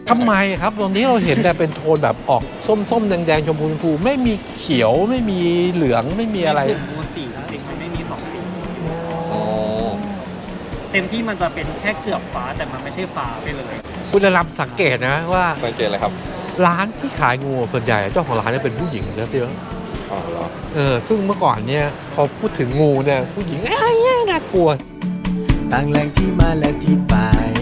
ทำไมครับตรงนี้เราเห็นแต่เป็นโทนแบบออกส้มๆแดงๆชมพูไม่มีเขียวไม่มีเหลืองไม่มีอะไรมูสีจริงๆไม่มี2 สีเต็มที่มันจะเป็นแค่เสือบฟ้าแต่มันไม่ใช่ฟ้าไปเลยคุณจะรับสังเกตนะว่าสังเกตเลยครับร้านที่ขายงูส่วนใหญ่เจ้าของร้านจะเป็นผู้หญิงนะพี่ว่าอ๋อเหรอซึ่งเมื่อก่อนเนี่ยพอพูดถึงงูเนี่ยผู้หญิงน่ากลัวต่างแหล่งที่มาและที่ไป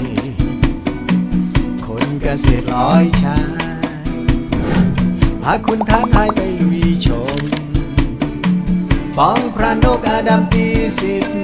คนเกษตรร้อยชายพาคุณท้าทายไปลุยชมป้องพระนกอาดัมปีสิทธิ์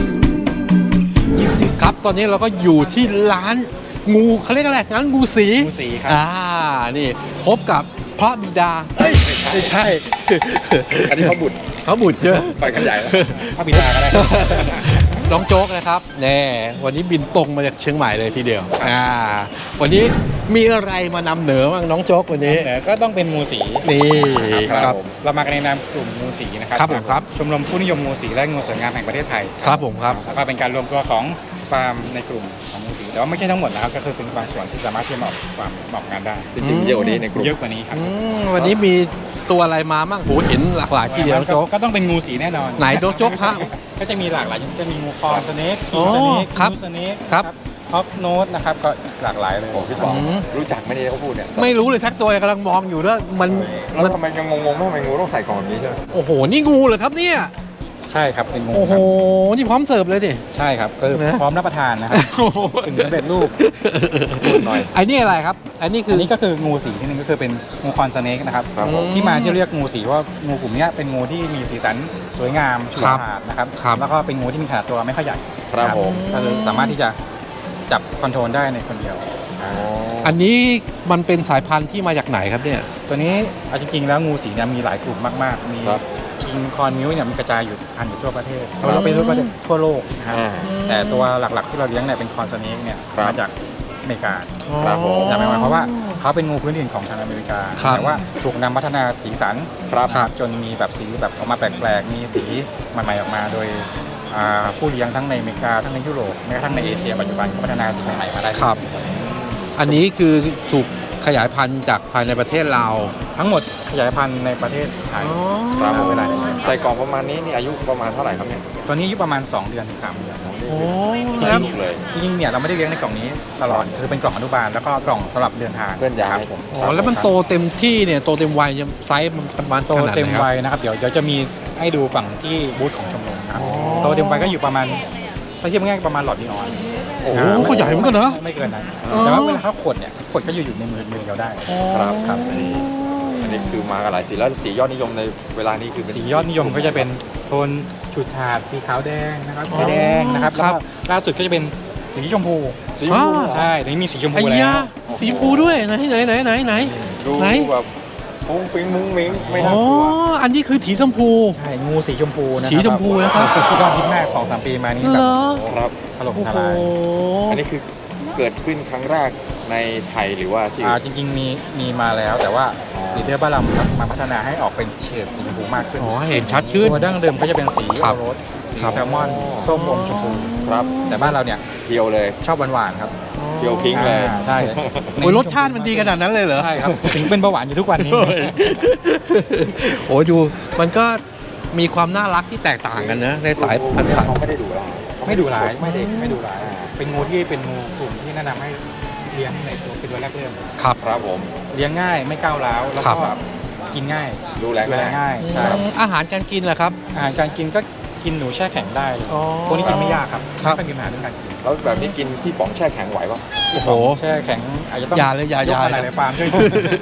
20 ครับตอนนี้เราก็อยู่ที่ร้านงูเขาเรียกอะไรร้านงูสีงูสีครับนี่พบกับพระบิดาไม่ใช่อันนี้เขาบุตรเขาบุตรเยอะไปกันใหญ่แล้วพระบิดาก็ได้น้องโจ๊กนะครับแน่วันนี้บินตรงมาจากเชียงใหม่เลยทีเดียววันนี้มีอะไรมานำเหนือบ้างน้องโจ๊กวันนี้แต่ก็ต้องเป็นงูสีนี่ครับเรามากันในนามกลุ่มงูสีนะครับครับผมครับชมรมผู้นิยมงูสีและงูสวยงามแห่งประเทศไทยครับผมครับแล้วก็เป็นการรวมตัวของฟาร์มในกลุ่มของงูสีแต่ว่าไม่ใช่ทั้งหมดนะครับก็คือเป็นบางส่วนที่สามารถที่จะออกงานได้จริงๆเยอะกว่านี้ในกลุ่มเยอะกว่านี้ครับวันนี้มีตัวอะไรมาบ้างโหเห็นหลากหลายทีเดียวน้องโจ๊กก็ต้องเป็นงูสีแน่นอนไหนโจ๊กฮะก็จะมีหลากหลายจะมีงูคอนสเนกอ๋คิองสเนกครับนูสเนกครับฮอปโนตนะครับก็หลากหลายเลยผมพี่บอกอืมรู้จักไหมเนี่ยเขาพูดเนี่ยไม่รู้เลยทักตัวเลยกำลังมองอยู่ด้วยมันแล้วทำไมยังงงๆว่าทำไมงูต้องใส่กล่องแบบนี้ใช่ไหมโอ้โหนี่งูเหรอครับเนี่ยใช่ครับเป็นงูโอ้โหครับนี่พร้อมเสิร์ฟเลยดิใช่ครับก็คือนะพร้อมรับประทานนะครับถึงสำเร็จรูปพูดหน่อยไอ้นี่อะไรครับ อันนี้คืออันนี้ก็คืองูสีที่หนึงก็คือเป็นงูคอนสเนกนะครับครับผมที่มาที่เรียกงูสีว่างูกลุ่มเนี้ยเป็นงูที่มีสีสันสวยงามฉูดครับฉาดนะครับครับแล้วก็เป็นงูที่มีขนาดตัวไม่ค่อยใหญ่ครับผมก็คือสามารถที่จะจับคอนโทรลได้ในคนเดียวอันนี้มันเป็นสายพันธุ์ที่มาจากไหนครับเนี่ยตัวนี้เอาจริงๆแล้วงูสีเนี่ยมีหลายกลุ่มมากๆ มีครับคิงคอนมิวเนี่ยมันกระจายอยู่พันอยู่ทั่วประเทศเราไปทั่วประเทศทั่วโลกนะครับอ่าแต่ตัวหลักๆที่เราเลี้ยงเนี่ยเป็นคอนสเนกเนี่ยครับมาจากอเมริกาครับผมแต่หมายความว่าเขาเป็นงูพื้นถิ่นของทางอเมริกาครับแต่ว่าถูกนำพัฒนาสีสันครับจนมีแบบสีแบบออกมาแปลกๆ มีสีใหม่ๆออกมาโดยผู้เลี้ยงทั้งในอเมริกาทั้งในยุโรปแม้กระทั่งในเอเชียปัจจุบันก็พัฒนาสีใหม่ๆมาได้ครับ อันนี้คือถูกขยายพันธุ์จากภายในประเทศเราทั้งหมดขยายพันธุ์ในประเทศไทยครับผมเวลาใส่กล่องประมาณนี้นี่อายุประมาณเท่าไหร่ครับเนี่ยตัวนี้อายุประมาณ2 เดือนถึง3 เดือนโอ้จริแล้วงๆเลยจริงๆเนี่ยเราไม่ได้เลี้ยงในกล่องนี้ตลอดคือเป็นกล่องอนุบาลแล้วก็กล่องสำหรับเดินทางเคลื่อนย้ายครับผมอ๋อแล้วมันโตเต็มที่เนี่ยโตเต็มวัยเนี่ยไซส์มันประมาณโตขนาดไหเต็มนครับวัยนะครับเดี๋ยวจะมีให้ดูฝั่งที่บูธของชมรมนะครับอ๋อโตเต็มวัยก็อยู่ประมาณถ้าเทียบง่ายๆประมาณหลอดนีออนโอ้โหก็ใหญ่เหมือนกันนะไม่เกินนั้นอ๋อแต่ว่าเวลาเขาขดเนี่ยขดก็อยู่ในมือเราได้ครับครับอันนี้คือมากันหลายสีแล้วสียอดนิยมในเวลานี้คือเป็นสียอดนิยมก็จะเป็นโทนฉูดฉาดสีขาวแดงนะครับสีแดงนะครับครัแล้วบก็ล่าสุดก็จะเป็นสีชมพูสีชมพูอ๋อใช่ตอนนี้มีสีชมไอ้พูแล้ยาว สีชมพูด้วยไหนไหนดูไหนแบบฟุ้งฟิ้งมุ้งมิ้งไม่อ๋น่าอกลัวอันนี้คือสีชมพูใช่งูสีชมพูนะสีชมพูนะครับที่ยอดฮิตมาก 2-3 ปีมานี้เหแบรบอครับถล่มโอ้ทโหลายอันนี้คือเกิดขึ้นครั้งแรกในไทยหรือว่าที่จริงๆมีมาแล้วแต่ว่าลีดเดอร์บ้านเรามาพัฒนาให้ออกเป็นเฉดสีชมพูมากขึ้นอ๋อเห็นชัดขึ้นตัวดั้งเดิมก็จะเป็นสีครัโอบ โรสสีครับแซลมอนส้มอมชมพูครับแต่บ้านเราเนี่ยเพียวเลยชอบหวานๆครับเพียวพิงค์เลยใช่โอ้ยรสชาติมันดีขนาดนั้นเลยเหรอใช่ครับถึงเป็นเบาหวานอยู่ทุกวันนี้โอ้ยดูมันก็มีความน่ารักที่แตกต่างกันนะ ในสายพันธุ์สัตว์เขาไม่ได้ดูแลไม่ดุร้ายไม่ดุร้ายเป็นงูที่เป็นงูกลุ่มที่แนะนำให้เลี้ยงในตัวเป็นตัวแรกเริ่มครับครับผมเลี้ยงง่ายไม่ก้าวร้าวแล้วครัก็บกินง่ายดูแลดูแลง่ายง่ายใช่ครับอาหารการกินล่ะครับอาหารการกินก็กินหนูแช่แข็งได้เลยอ๋อพวกนี้กินไม่ยากครับครับไม่เป็นปัญหาเรื่องการกินแล้วแบบนี้กินที่ป๋องแช่แข็งไหวปะโอ้โหแช่แข็งอาจจะต้องอย่าเลยอย่ากอะไรนะในฟาร์มช่วย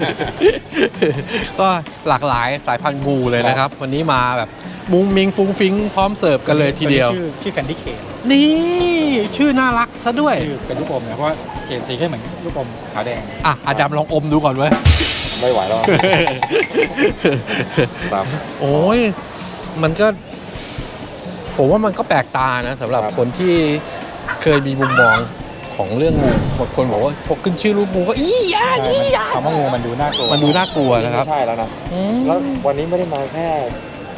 ก็หลากหลายสายพันธุ์งูเลยนะครับ วันนี้มาแบบมุ้งมิงฟุ้งฟิ้งพร้อมเสิร์ฟกันเลยทีเดียวชื่อแคนดี้เคนนี่ชื่อน่ารักซะด้วยชื่อเป็นลูกอมนะเพราะว่าเกรดสีแค่เหมือนลูกอมขาวแดงอ่ะอาดัมลองอมดูก่อนเว้ยไม่ไหวแล้ว ครับโอ้ยมันก็ผมว่ามันก็แปลกตานะสำหรับครับคนที่เคยมีมุมมองของเรื่องงูบางคนบอกว่าพอขึ้นชื่อรูปงูก็อียาอียาคำว่างูมันดูน่ากลัวมันดูน่ากลัวนะครับไม่ใช่แล้วนะอืมแล้ววันนี้ไม่ได้มาแค่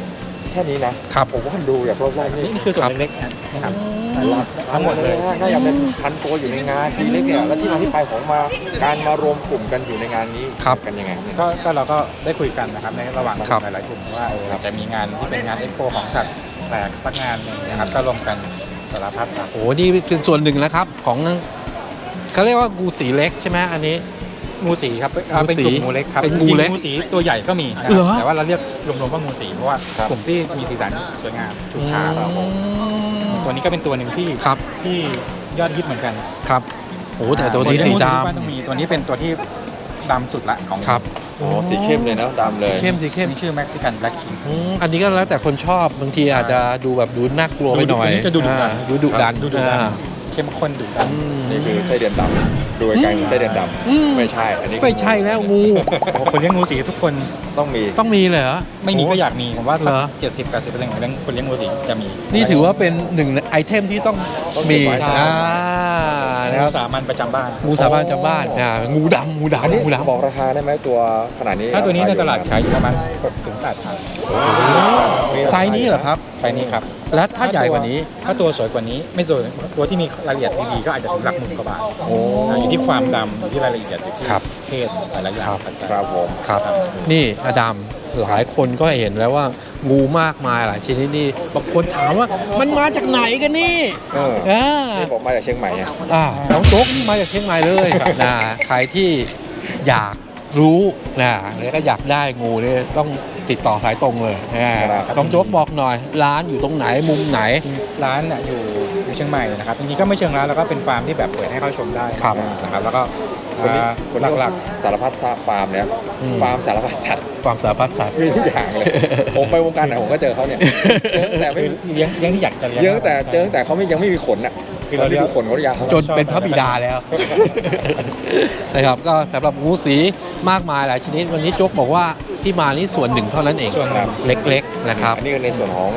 แค่นี้นะครับ ผมว่าดูอย่างรอบๆนี่นี่คือส่วนเล็กๆนะครับทั้งหมดเลยน่าจะเป็นพันตัวอยู่ในงานทีเล็กเนี่ยแล้วที่มาที่ไปของการมารวมกลุ่มกันอยู่ในงานนี้ครับกันยังไงเนี่ยก็เราก็ได้คุยกันนะครับในระหว่างเราครับหลายๆกลุ่มว่าเราจะมีงานที่เป็นงานเอ็กโปของสัตว์แปลกสักงานหนึงนะครับก็รวมกันสารพัดครับโอ้นี่เป็นส่วนหนึ่งนะครับของเขาเรียกว่างูสีเล็กใช่ไหมอันนี้งูสีครับเป็นกลุ่มงูเล็กครับเป็นงูเล็กจริๆงูสีตัวใหญ่ก็มีนะคเหรรับอแต่ว่าเราเรียกรวมๆว่างูสีเพราะว่าครับกลุ่มที่มีสีสันสวยงามฉูดฉาดอืมตัวนี้ก็เป็นตัวหนึ่งที่ครับที่ยอดฮิตเหมือนกันครับโอ้แต่ตัวนี้สีดว่าต้องมีตัวนี้เป็นตัวที่ดำสุดละของำครับโอ้สีเข้มเลยนะดำเลยเข้มสีเข้มนี่ชื่อ Mexican Black King อันนี้ก็แล้วแต่คนชอบบางทีอาจจะดูแบบดูน่ากลัวไปหน่อยอันนี้จะดูดุดันดูดุดันดูดันอ่าเข้มข้นดุดันอืมนี่คือไส้เดือนดำดูไกลๆคือไส้เดือนดอืมำไม่ใช่อันนี้ไม่ใช่แล้วงูโอ้คนเลี้ยงงูสีทุกคนต้องมีต้องมีเลยเหรอไม่มีก็อยากมีผมว่าสักเหรอ 70-80%ของคนเลี้ยงงูสีจะมีนี่ถือว่าเป็นหนึ่งไอเทมที่ต้องมีใช่นะครับงูสามัญประจำบ้านงูสาบ้านจำบ้านงูดำงูอันนี้ดำงูดำบอกราคาได้ไหมตัวขนาดนี้ถ้าตัวนี้ในตลาดขายอยู่ประมาณ6-8 พันไซส์นี้เหรอครับไซส์นี้ครับและถ้าใหญ่กว่านี้ถ้าตัวสวยกว่านี้ไม่สวยตัวที่มีรายละเอียดดีๆก็อาจจะถึงหลักหมื่นกว่าบาทโอ้อยู่ที่ความดำอยู่ที่รายละเอียดอยู่ที่ครับเพศหลายๆอย่างครับปัจจัยครับผมครับ นี่อดัมหลายคนก็เห็นแล้วว่างูมากมายหลายชนิดนี่บางคนถามว่ามันมาจากไหนกันนี่เอออ่านี่ผมมาจากเชียงใหม่เนี่ยน้องโจ๊กนี่มาจากเชียงใหม่เลยนะใครที่อยากรู้นะแล้วก็อยากได้งูเนี่ยต้องติดต่อสายตรงเลยนะน้องโจ๊กบอกหน่อย ร้านอยู่ตรงไหนมุมไหนร้านเนี่ยอยู่เชียงใหม่นะครับจริงๆก็ไม่เชิงร้านแล้วก็เป็นฟาร์มที่แบบเปิดให้เข้าชมได้ครับนะครับแล้วก็คนนี้คนหลักสารพัดฟาร์มเนี่ยอืมฟาร์มสารพัดสัตว์ความสารพัดสัตว์มีทุกอย่างเลย ผมไปวงการไหนผมก็เจอเขาเนี่ยเจอแต่ๆไม่คือเลี้ยงที่อยากจะเลี้ยงเจอแต่เขายังไม่มีขนอ่ะคือเราเรียกดูขนเขาหรือยังจนเป็นพระบิดาแล้ว นะครับก็สำหรับงูสีมากมายหลายชนิด วันนี้โจ๊กบอกว่าที่มานี่ส่วนหนึ่งเท่านั้นเองส่วนหนึ่งเล็กๆนะครับอันนี้คือในส่วนของ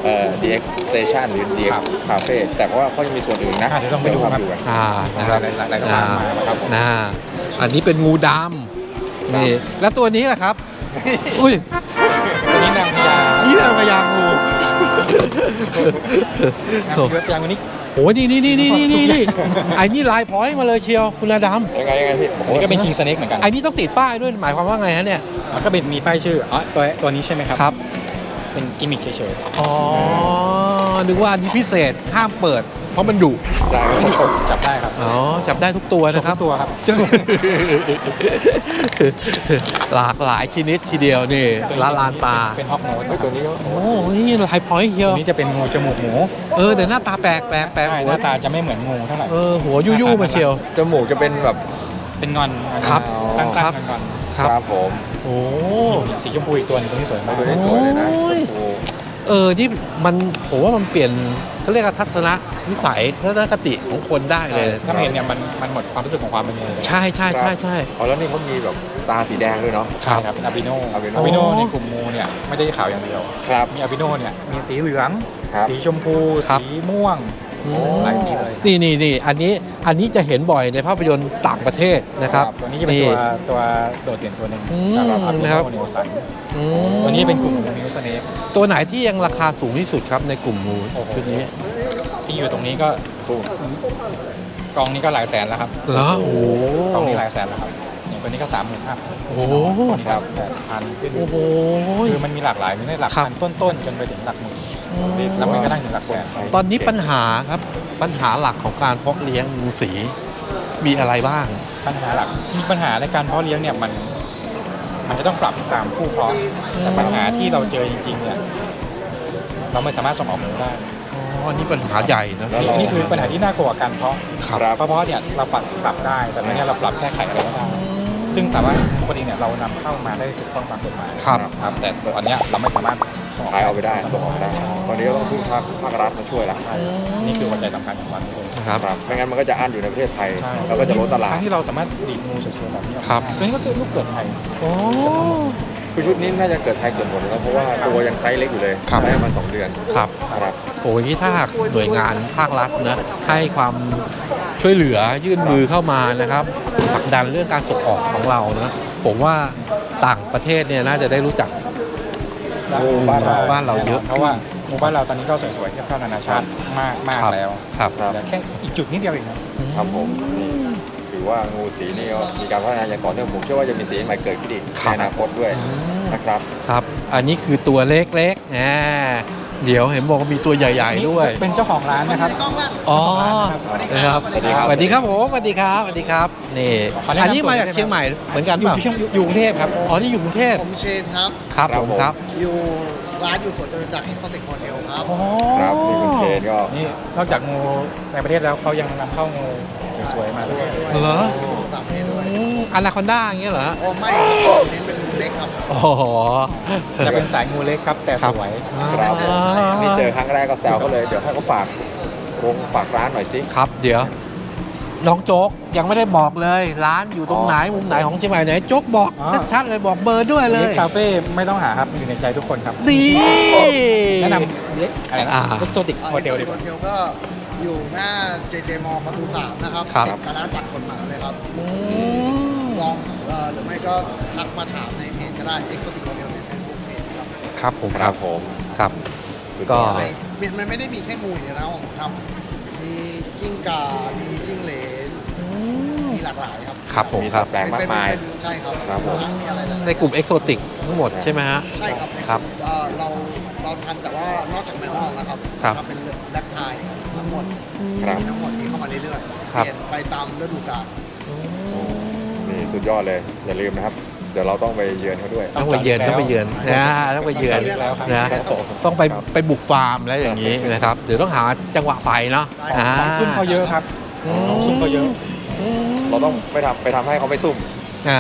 DX Station หรือ DX ครับ Cafe แต่ว่าเขายังมีส่วนอื่นนะเดี๋ยวต้องไปดูครับกันนะครับหลายๆร้านมาครับผมอันนี้เป็นงูดำนี่แล้วตัวนี้แหละครับ อุ้ยตัวนี้นางพญานี่นางพญางูนางพญาวันนี้โอ้ยนี่ไอ้นี่ลายพร้อยมาเลยเชียวคุณอาดำยังไงพี่อันนี้ก็เป็น King Snake เหมือนกันไอ้นี่ต้องติดป้ายด้วยหมายความว่าไงฮะเนี่ยมันก็เป็นมีป้ายชื่ออ๋อตัวนี้ใช่ไหมครับครับเป็นกิมมิคเฉยอ๋อนึกว่าอันนี้พิเศษห้ามเปิด เพราะมันดุได้ครับๆจับได้ครับอ๋อจับได้ทุกตัวนะครับทุกตัวครับหลากหลายชนิดทีเดียวนี่ละลานตาเป็นฮอกโนสเฮ้ยตัวนี้ก็โอ้นี่ลายพร้อยเชียตัว วนี้จะเป็นงูจมูกหมูแต่หน้าตาแปลกใช่หัหวน้าตาจะไม่เหมือนงูเท่าไหร่หัวยู่ๆมาเชียวจมูกจะเป็นแบบเป็นงอนครับตั้งครับๆงอนครับผมโอ้ๆสีชมพูอีกตัวหนึงตัวนี้สวยมากตัวนี้สวยเลยนะโอ้ยโอ้นี่มันผมว่ามันเปลี่ยนเขาเรียกว่าทัศนวิสัยทัศนคติของคนได้เลยถ้าไม่เห็นเนี่ยมันหมดความรู้สึกของความเป็นงูเลยใช่เอาแล้วนี่เขามีแบบตาสีแดงด้วยเนาะครับครับอาบิโน albino อาบิโนในกลุ่มงูเนี่ยไม่ได้ขาวอย่างเดียวครับมีอาบิโนเนี่ยมีสีเหลืองครับสีชมพูครับสีม่วงอืมหลายสีเลยนี่อันนี้จะเห็นบ่อยในภาพยนตร์ต่างประเทศนะครับตัวนี้จะเป็นตัวโดดเด่นตัวหนึ่งอืมสำหรับอาบินะครับโนเนลสันอืมตัวนี้เป็นกลุ่มมิวสเนปตัวไหนที่ยังราคาสูงที่สุดครับในกลุ่มงูโอ้โหชุดนี้ที่อยู่ตรงนี้ก็ฟูกองนี้ก็หลายแสนแล้วครับเหรอโอ้โหกองนี้หลายแสนแล้วครับอย่างตัวนี้ก็30,000อัพโอ้โหตัวนี้ครับ8,000ขึ้นโอ้โหคือมันมีหลากหลายมีได้หลักครับพันต้นๆจนไปถึงหลักหมื่นแล้วมันก็นั่งถึงหลักแสนตอนนี้ปัญหาครับปัญหาหลักของการเพาะเลี้ยงงูสีมีอะไรบ้างปัญหาหลักมีปัญหาในการเพาะเลี้ยงเนี่ยมันจะต้องปรับตามผู้เพาะแต่ปัญหาที่เราเจอจริงๆเนี่ยเราไม่สามารถส่งออกหมูได้อ๋ออันนี้ปัญหาใหญ่นะแล้วเรานี่คือปัญหาที่น่ากลัวกับการเพาะครับเพราะเนี่ยเราปรับได้แต่ในนี้เราปรับแก้ไขอะไรไม่ได้ซึ่งสามารถปกติเนี่ยเรานำเข้ามาได้ถูกต้องตามกฎหมายครับครับแต่ตอนเนี้ยเราไม่สามารถส่งขายเอาไปได้ส่งออกได้ตอนนี้ก็ต้องพึ่งภาครัฐมาช่วยละใช่นี่คือหัวใจสำคัญของมันเลยนะครับครับไม่งั้นมันก็จะอั้นอยู่ในประเทศไทยใช่แล้วก็จะลดตลาดทั้งที่เราสามารถดีดงูสวยๆแบบนี้ออกมาครับตัวนี้ก็คือลูกเกิดไทยโอ้คือชุดนี้น่าจะเกิดไทยเกิดหมดแล้วเพราะว่าตัวยังไซส์เล็กอยู่เลยครับได้มา2 เดือนครับครับโอ้ยนี่ถ้าหากหน่วยงานภาครัฐนะให้ความช่วยเหลือยื่นมือเข้ามานะครับผลักดันเรื่องการส่งออกของเรานะผมว่าต่างประเทศเนี่ยน่าจะได้รู้จักงูบ้านเราบ้านเราเยอะเพราะว่าหมู่บ้านเราตอนนี้ก็สวยๆเทียบเท่านานาชาติมากครับแล้วครับแต่แค่อีกจุดนิดเดียวเองครับครับผมนี่ถือว่างูสีนี่ก็มีการพัฒนาอย่างต่อเนื่องผมเชื่อว่าจะมีสีใหม่เกิดขึ้นอีกครัในบอนาคตด้วยนะครับครับ อันนี้คือตัวเล็กๆเดี๋ยวเห็นบอกว่ามีตัวใหญ่ๆด้วยเป็นเจ้าของร้านนะครับอ๋อนะครับสวัสดีครับสวัสดีครับผมสวัสดีครับสวัสดีครับนี่ขอแนะนำอันนี้มาจากตัวได้ไหมเชียงใหม่เหมือนกันอยู่เปล่าที่อยู่กรุงเทพครับอ๋อนี่อยู่กรุงเทพผมเชนครับครับครับผมผมครับอยู่ร้านอยู่สวนจตุจักร Exotic Hotel ครับครับนี่คุณเชนก็นี่นอกจากงูในประเทศแล้วเขายังนำเข้างูสวยๆมาด้วยเหรอต่างประเทศด้วยอนาคอนด้าอย่างเงี้ยเหรอโอ้ไม่ครับเน้นเป็นเล็กครับอ๋อจะเป็นสายงูเล็กครับ แต่สวยครับอ่านี่เจอครั้งแรกก็แซวเขาเลยเดี๋ยวให้เขาฝากฝากร้านหน่อยสิครับเดี๋ยว น้องโจ๊กยังไม่ได้บอกเลย ร้านอยู่ตรงไหนมุมไหนของเชียงใหม่ไหนโจ๊กบอกชัดๆเลยบอกเบอร์ด้วยเลเล็ยกคาเฟ่ไม่ต้องหาครับอยู่ในใจทุกคนครับดีแนะนำเล็กอะไรนะอ่าเอ็กโซติกโฮเทลดี Exotic กว่า Hotel ก็อยู่หน้า JJ Mall ประตู 3 นะครับครับคณะจัดคนหมาเลยครับอืมลองหรือไม่ก็ทักมาถามในเพจก็ได้ Exotic Hotel ใน Facebook Page ครับครับผมคครัรับบ ผมครับสุดยก็อดเลยมันไม่ได้มีแค่งูอย่างเดียวนะผมทำมีกิ้งก่า มีจิ้งเหลน มีหลากหลายครับครับผมมีคสัรัตบว์แปลกมากมายใช่ครับครับผมมีอะไรหลายๆในกลุ่มเอกโซติกทั้งหมดใช่ไหมฮะใช่ครับในครับเราทำแต่ว่านอกจากแมวมองนะครับครับทำเป็นแลคไทยทั้งหมดครับมีทั้งหมดมีเข้ามาเรื่อยๆครับเปลี่ยนไปตามฤดูกาลนี่สุดยอดเลยอย่าลืมนะครับ เดี๋ยวเราต้องไปเยือนเขาด้วยต้องไปเยือนต้องไปเยือนนะต้องไปเยือนแล้วครับนะต้องไปบุกฟาร์มแล้วอย่างนี้นะครับเดี๋ยวต้องหาจังหวะไปเนาะได้ของซุ่มเขาเยอะครับอืมของซุ่มเขาเยอะเราต้องไปทำให้เขาไม่ซุ่มอ่า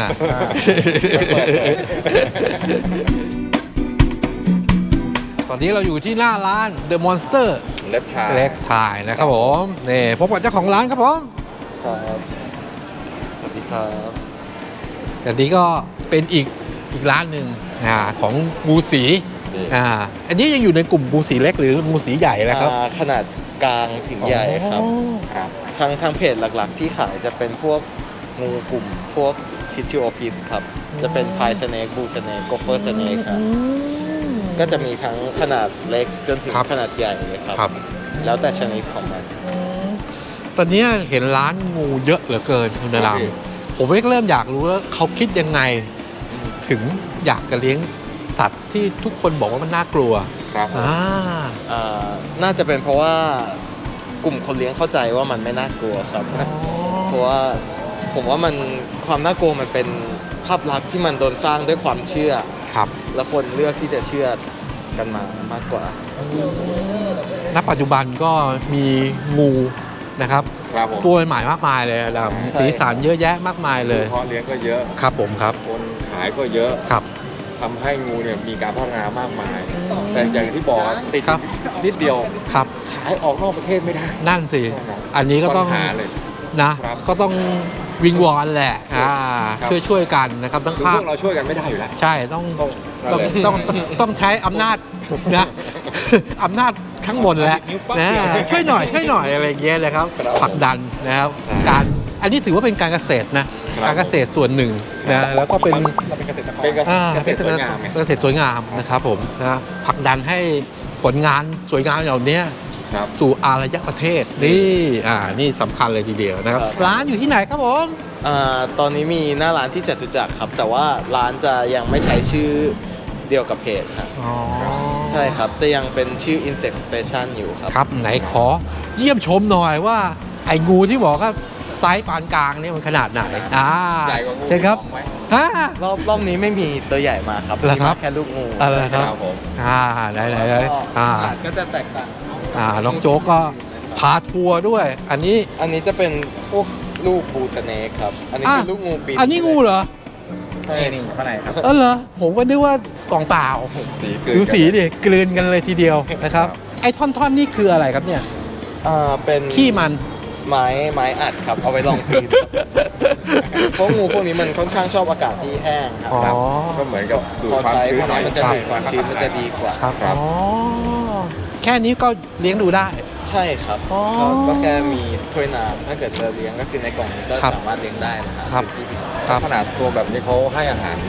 ตอนนี้เราอยู่ที่หน้าร้าน The Monster เล็บชาเล็กถ่ายนะครับผมนี่พบกับเจ้าของร้านครับผมครับสวัสดีครับแต่นี้ก็เป็นอีกร้านหนึ่งของงูสีนี่อันนี้ยังอยู่ในกลุ่มงูสีเล็กหรืองูสีใหญ่นะครับขนาดกลางถึงใหญ่ครับอ๋อครับทางเพจหลักๆ ที่ขายจะเป็นพวกงูกลุ่มพวกพิทิโอพิสครับ จะเป็นพายสเนกบูสเนกโกเฟอร์สเนกครับ ก็จะมีทั้งขนาดเล็กจนถึงครับขนาดใหญ่ครับครับแล้วแต่ชนิดของมันตอนนี้เห็นร้านงูเยอะเหลือเกินคุณนรามผมเริ่มอยากรู้แล้วเขาคิดยังไง ถึงอยากจะเลี้ยงสัตว์ที่ทุกคนบอกว่ามันน่ากลัวครับน่าจะเป็นเพราะว่ากลุ่มคนเลี้ยงเข้าใจว่ามันไม่น่ากลัวครับ เพราะว่าผมว่ามันความน่ากลัวมันเป็นภาพลักษณ์ที่มันโดนสร้างด้วยความเชื่อครับแล้วคนเลือกที่จะเชื่อกันมามากกว่าณปัจจุบันก็มีงูนะครับครับผมตัวใหม่มากมายเลยนะครับใช่สีสันเยอะแยะมากมายเลยเพาะเลี้ยงก็เยอะครับผมครับคนขายก็เยอะครับทำให้งูเนี่ยมีการพัฒนามากมาย แต่อย่างที่บอกติดครับนิดเดียวครับขายออกนอกประเทศไม่ได้นั่นสิ อันนี้ก็ต้องปัญหาเลยนะครับก็ต้องวิงวอนแหละช่วยกันนะครับทั้งคือภาพควกเราช่วยกันไม่ได้อยู่แล้วใช่ต้องต้องต้องใช้อำนาจนะ อำนาจข้างบนแหละนะช่วยหน่อยอะไรอย่างเงี้ยนะครับครับผลักดันนะครับใช่การอันนี้ถือว่าเป็นการเกษตรนะครับ การเกษตรส่วนหนึ่งนะแล้วก็เป็นเราเป็นเกษตรกรเป็นอ่าเกษตรสวยงามไงเกษตรสวยงามนะครับผมนะผลักดันให้ผลงานสวยงามเหล่านี้ครับสู่อารยประเทศนี่นี่สำคัญเลยทีเดียวนะครับครับร้านอยู่ที่ไหนครับผมตอนนี้มีหน้าร้านที่จตุจักรครับ แต่ว่าร้านจะยังไม่ใช้ชื่อเดียวกับเพจครับอ๋อใช่ครับ จะยังเป็นชื่อ Insect Station อยู่ครับครับไหนขอเยี่ยมชมหน่อยว่าไอ้งูที่บอกว่าไซส์ปานกลางเนี่ยมันขนาดไหนใหญ่กว่างูใช่ครับของไหมฮะรอบนี้ไม่มีตัวใหญ่มาครับเหรอมีครัมาบแค่ลูกงูอะไรครับครับผมไหนก็ขนาดก็จะแตกต่างน้องโจ๊กก็พาทัวร์ด้วย อันนี้อันนี้จะเป็นพวกลูกบูสเนกครับ อันนี้คือลูกงูปีนอันนี้งูเหรอใช่นี่ข้างในครับเหรอผมก็นึกว่ากล่องเปล่าสีเกินดูสีกันดิกลืนกันเลยทีเดียวนะครับ ไอ้ท่อนๆนี่คืออะไรครับเนี่ยเป็นขี้มันไม้อัดครับ เอาไว้รองพื้นเพราะงูพวกนี้มันค่อนข้างชอบอากาศที่แห้งครัอ๋อครับก็เหมือนกับดูดพอความใช้ชื้พนวกหน่อยนี้มันจะดูดความชื้นมันจะดีกว่าครับครับอ๋อแค่นี้ก็เลี้ยงดูได้ใช่ครับอ๋อก็แค่มีถ้วยน้ำถ้าเกิดจะเลี้ยงก็คือในกล่องนี้ก็ครับสามารถเลี้ยงได้นะคครัรับ บครับขนาดตัวแบบนี้เขาให้อาหาร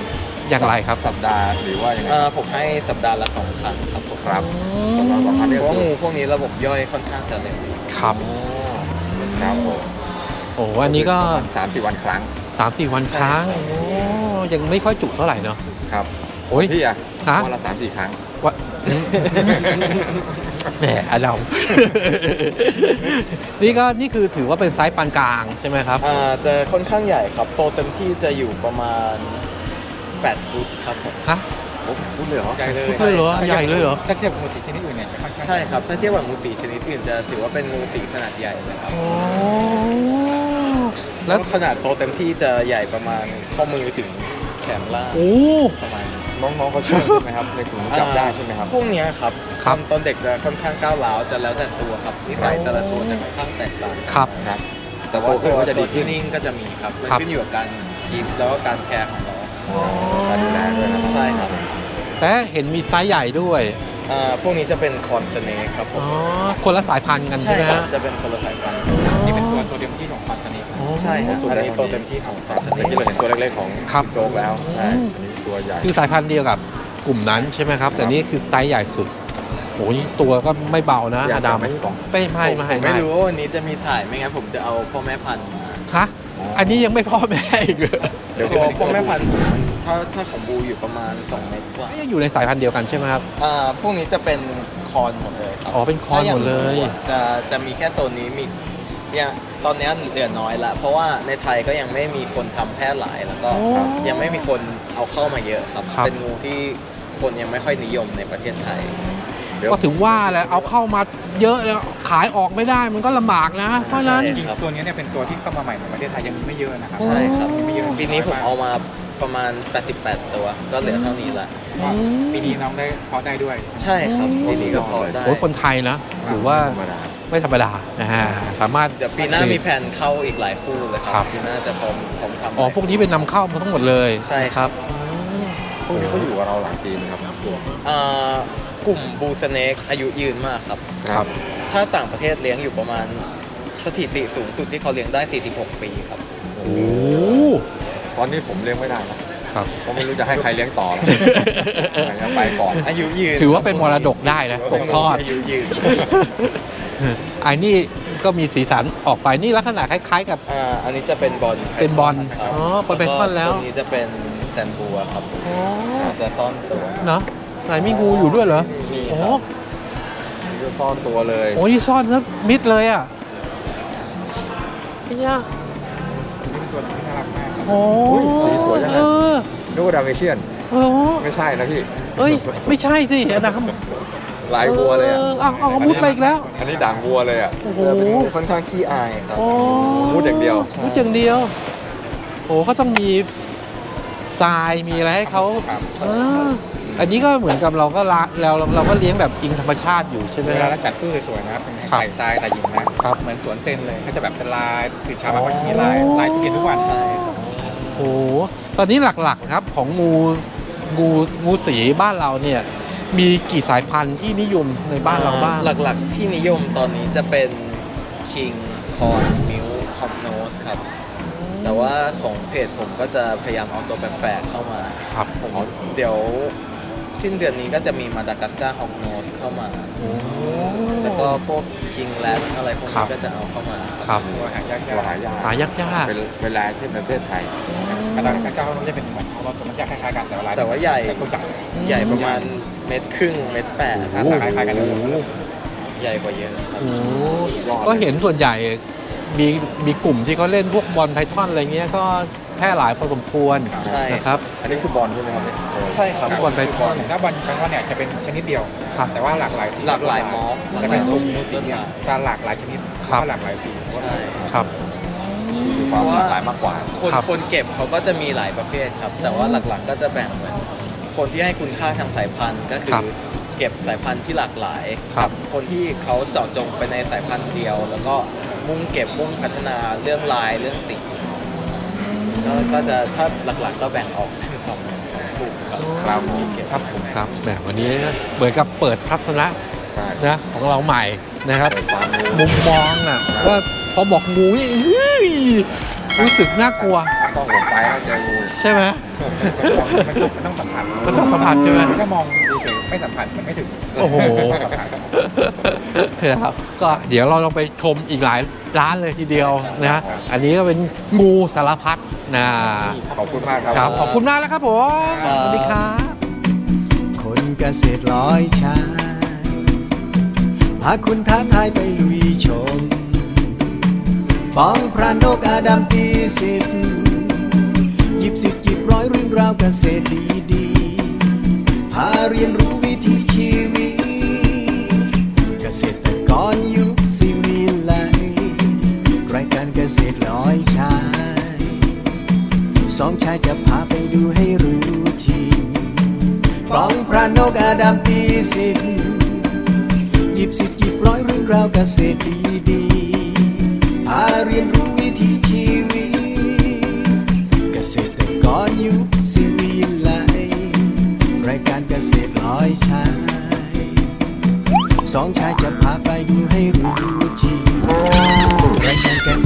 อย่างไรครับสัปดาห์หรือว่ายังไงผมให้สัปดาห์ละ2 ครั้งครับผมครับสัปดาห์ละ2 ครั้งเพนี่ราะก็ว่าคืองูพวกนี้ระบบย่อยค่อนข้างจะเร็วครับครับผมโอ้อันนี้ก็ 3-4 วันครั้ง 3-4 วันครั้งโอ้ยังไม่ค่อยจุเท่าไหร่เนาะครับโอ้ยพี่อะฮะวันละ 3-4 ครั้งวะ แหมอดัม นี่คือถือว่าเป็นไซส์ปานกลางใช่ไหมครับจะค่อนข้างใหญ่ครับโตเต็มที่จะอยู่ประมาณ8 ฟุตครับผมฮะโอ้พูดเลยเหรอใหญ่เลยใช่เหรอใหญ่เลยเหรอถ้าเทียบกับงูสีชนิดอื่นเนี่ยจะค่อนข้างใช่ครับ ถ้าเทียบกับงูสีชนิดอื่นจะถือว่าเป็นงูสีขนาดใหญ่นะครับโอ้แล้แล้ววขนาดโตเต็มที่จะใหญ่ประมาณข้อมือถึงแขนล่างโอ้ประมาณนี้น้องๆเขาเชื่อใช่ไหมครับในกลุ่มจับได้ใช่ไหมครับพวกเนี้ยครับครับตอนเด็กจะค่อนข้างก้าวร้าวจะแล้วแต่ตัวครับนิสัยแต่ละตัวจะค่อนข้างแตกต่างครับครับแต่ว่าโตขึ้นตัวก็จะดีที่ขึ้นนิ่งก็จะมีครับมันครับขึ้นอยู่กับการคีปแล้วก็การแคร์ของเราการดูแลด้วยนะใช่ครับแต่เห็นมีไซส์ใหญ่ด้วยพวกนี้จะเป็นคอนสเนคครับผอ๋อมคนละสายพันธุ์กันใช่ไหมครับฮะจะเป็นคนละสายพันธุ์นี่เป็นตัวเต็มที่ของคอนสเนกอ๋อใช่ครับอันนี้โตเต็มที่ของคอนสเนเมื่อคกี้เราเห็นตัวเล็กๆของครับโจ๊กแล้วใช่อืมอันนี้ตัวใหญ่คือสายพันธุ์เดียวกับกลุ่มนั้นใช่ไหมครับ แต่นี่คือสไตล์ใหญ่สุดโอ้ยตัวก็ไม่เบานะอยาอก ดัมไหมพี่ป๋องไม่ผมไม่รู้ว่าวันนี้จะมีถ่ายไม่งั้นผมจะเอาพ่อแม่พันธุ์มาฮะอันนี้ยังไม่พ่อแม่อีกเหรอเดี๋ยวตัวพ่อแม่พันธุ์ผมมันถ้าของบูอยู่ประมาณ2 เมตรกว่ายังอยู่ในสายพันธุ์เดียวกันใช่ไหมครับพวกนี้จะเป็นคอนหมดเลยครับอ๋อเป็นคอนหมดเลยถ้าางจะมีแค่โซนนี้มีเนี่ยตอนนี้เหลือน้อยละเพราะว่าในไทยก็ยังไม่มีคนทำแพร่หลายแล้วก็โอ้ยังไม่มีคนเอาเข้ามาเยอะครับครับเป็นงูที่คนยังไม่ค่อยนิยมในประเทศไทยก็ถึงว่าแหละเอาเข้ามาเยอะแล้วขายออกไม่ได้มันก็ลำบากนะ เพราะฉะนั้นใช่จริงๆตัวนี้เนี่ยเป็นตัวที่เข้ามาใหม่ในประเทศไทยยังมีไม่เยอะนะครับใช่ครับไม่เยอะปีนี้ผมเอามาประมาณ 88 ตัว ก็เหลือเท่านี้ละก็ปีนี้น้องได้เพาะได้ด้วยใช่ครับปีนี้ก็พอได้โอ้ยคนไทยนะถือว่าธรรมดาไม่ธรรมดานะฮะสามารถเดี๋ยวปีหน้ามีแผนเข้าอีกหลายคู่เลยคครัรับ ปีหน้าจะพร้อมทำอ๋อพวกนี้เป็นนำเข้ามาทั้งหมดเลยใช่ครับพวกนี้เขาอยู่กับเราหลายปีนะครับกลุ่มบูสเนกอายุยืนมากครับครับถ้าต่างประเทศเลี้ยงอยู่ประมาณสถิติสูงสุดที่เขาเลี้ยงได้ 46 ปีครับโอ้โหตอนนี้ผมเลี้ยงไม่ได้นะครับ เพราะไม่รู้จะให้ใครเลี้ยงต่อแล้วจะไปก่อนอายุยืนถือว่าเป็นมรดกได้นะตกทอดอายุยืนไอ้นี่ก็มีสีสันออกไปนี่ลักษณะคล้ายๆกับอันนี้จะเป็นบอลเป็นบอลครับอ๋อบอลไพทอนแล้วตัวนี้จะเป็นแซมบัวครับอ๋อจะซ่อนตัวเนาะไหนมีงูอยู่ด้วยเหรอมีโอ้ครับนี่ก็ซ่อนตัวเลยโอ้นี่ซ่อนซะมิดเลยอ่ะไอ้เนี่ยนี่เป็นตัวที่น่ารักมากครับโอ้อุ้ยสีสวยจังเอเลยอนึกว่าดาเมเชียนโอ้ไม่ใช่นะพี่เอ้ยไม่ใช่สิอันนั้นลายวัวเลยอ่ะเอามุดไปอีกแล้วอันนี้ด่างวัวเลยอ่ะโอ้โหจะเป็นงูค่อนข้างขี้อายครับโอ้มุดอย่างเดียวมุดอย่างเดียวโอ้ก็ต้องมีทรายมีอะไรให้เขาครับอันนี้ก็เหมือนกับเราก็เราก็เลี้ยงแบบอิงธรรมชาติอยู่ใช่ไหมเวคลารับเราจัดตู้สวยๆนะครับเป็นครับใส่ทรายแต่หญิงนะครับ เหมือนสวนเซนเลยก็จะแบบเป็นลายตื่นเช้ามาก็จะมีลายที่เห็นทุกวันใช่ครับโอ้โหตอนนี้หลักๆครับของงูสีบ้านเราเนี่ยมีกี่สายพันธุ์ที่นิยมในบ้านเราบ้างหลักๆที่นิยมตอนนี้จะเป็นคิงคอนมิวฮอปโนสครับ แต่ว่าของเพจผมก็จะพยายามเอาตัวแปลกๆเข้ามาครับผมเดี๋ยวสิ้นเดือนนี้ก็จะมีมาดากัสการ์ฮอกโนสเข้ามา แล้วก็พวกคิงแรดอะไรพวกครันี้บก็จะเอาเข้ามาครับตัวหายากตัวหายากหายากเป็นลายที่ประเทศไทยกระดานกระเจ้ามันจะเป็นเหมือนตัวมันจะคล้ายๆกันแต่ว่าลายแต่ว่าใหญ่ตัวใหญ่ใหญ่ประมาณเมตรครึ่งเมตรแปดหน้าตาคล้ายๆกันเลยใหญ่กว่าเยอะครับโอ้ก็เห็นส่วนใหญ่มีกลุ่มที่เขาเล่นพวกบอลไพทอนอะไรเงี้ยก็แพร่หลายพอสมควรใช่นะครับอันนี้คือบอลใช่ไหมครับเนี่ยใช่ครับบอลไพทอนถ้าบอลไพทอนเนี่ยจะเป็นชนิดเดียวครับแต่ว่าหลากหลายสีหลากหลายมอฟหลากจะหเป็ลาน ยกรูลุ่ปมงูสีต้นเนี่ยไม้จะหลากหลายชนิดครับแล้วก็หลากหลายสีใช่ครับมีความหลากหลายมากกว่าคนครับคนเก็บเขาก็จะมีหลายประเภทครับ แต่ว่าหลักๆก็จะแบ่งเหมือนคนที่ให้คุณค่าทางสายพันธุ์ก็คืครัอบ เก็บสายพันธุ์ที่หลากหลายครับคนที่เขาเจาะจงไปในสายพันธุ์เดียว แล้วก็มุ่งเก็บมุ่งพัฒนาเรื่องลายเรื่องสีก็จะถ้าหลักๆก็แบ่งออกเป็นสองกลุ่มครับครับที่เก็บครับผมครับแหมวันนี้เหมือนกับเปิดทัศนะใช่นะของเราใหม่นะครับเปิดความรู้มุมมองน่ะว่าพอบอกงูนี่เฮ้ยรู้สึกน่ากลัวต้องผมไปแล้วเจองูใช่ไหมมันต้องสัมผัสมันต้องสัมผัสใช่ไหมถ้ามองเฉยๆไม่สัมผัสมันไม่ถึงโอ้โหต้องสัมผัสนะครับก็เดี๋ยวเราลองไปชมอีกหลายร้านเลยทีเดียวนะ อันนี้ก็เป็นงูสารพัดนะขอบคุณมากครับครับขอบคุณมากแล้วครับผมสวัสดีครับคนเกษตรร้อยชายพาคุณท้าทายไปลุยชมป้องพระนกอาดัมตีสิทธิ์หยิบสิทธิ์หยิบร้อยเรื่องราวเกษตรดีๆพาเรียนรู้วิถีชีวิตเกษตรกรยุคสิวิไลรายการเกษตรร้อยชายสองชายจะพาไปดูให้รู้จริงป้องพระนกอาดัมตีสิทธิ์หยิบสิทธิ์หยิบร้อยเรื่องราวเกษตรดีๆพาเรียนรู้วิถีชีวิตเกษตรกรยุคสิวิไลรายการเกษตรร้อยชายสองชายจะพาไปดูให้รู้จริงรายการเกษ